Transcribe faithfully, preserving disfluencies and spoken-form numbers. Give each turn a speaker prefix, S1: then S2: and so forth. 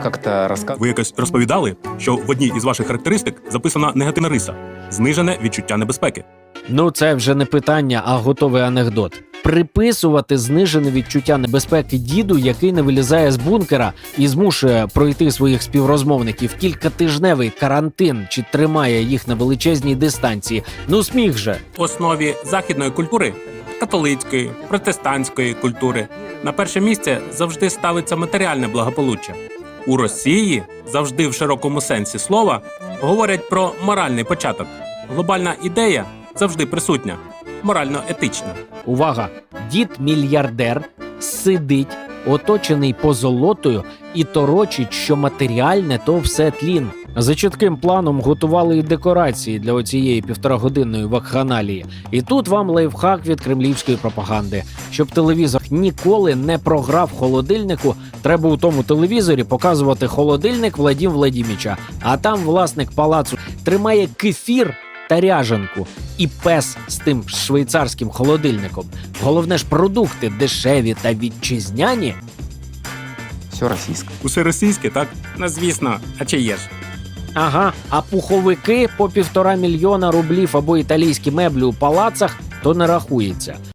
S1: Как-то розказ...
S2: Ви якось розповідали, що в одній із ваших характеристик записана негативна риса – знижене відчуття небезпеки.
S3: Ну, це вже не питання, а готовий анекдот. Приписувати знижене відчуття небезпеки діду, який не вилізає з бункера і змушує пройти своїх співрозмовників кількатижневий карантин чи тримає їх на величезній дистанції. Ну сміх же.
S2: В основі західної культури – католицької, протестантської культури – на перше місце завжди ставиться матеріальне благополуччя. У Росії завжди в широкому сенсі слова говорять про моральний початок. Глобальна ідея завжди присутня, морально-етична.
S3: Увага! Дід-мільярдер сидить, оточений позолотою, і торочить, що матеріальне – то все тлін. За чітким планом готували і декорації для оцієї півторагодинної вакханалії. І тут вам лайфхак від кремлівської пропаганди. Щоб телевізор ніколи не програв холодильнику, треба у тому телевізорі показувати холодильник Владім Владіміча. А там власник палацу тримає кефір та ряжанку. І пес з тим швейцарським холодильником. Головне ж, продукти дешеві та вітчизняні.
S1: Все російське.
S2: Усе російське, так? Ну, звісно, а чи є ж?
S3: Ага, а пуховики по півтора мільйона рублів або італійські меблі у палацах то не рахується.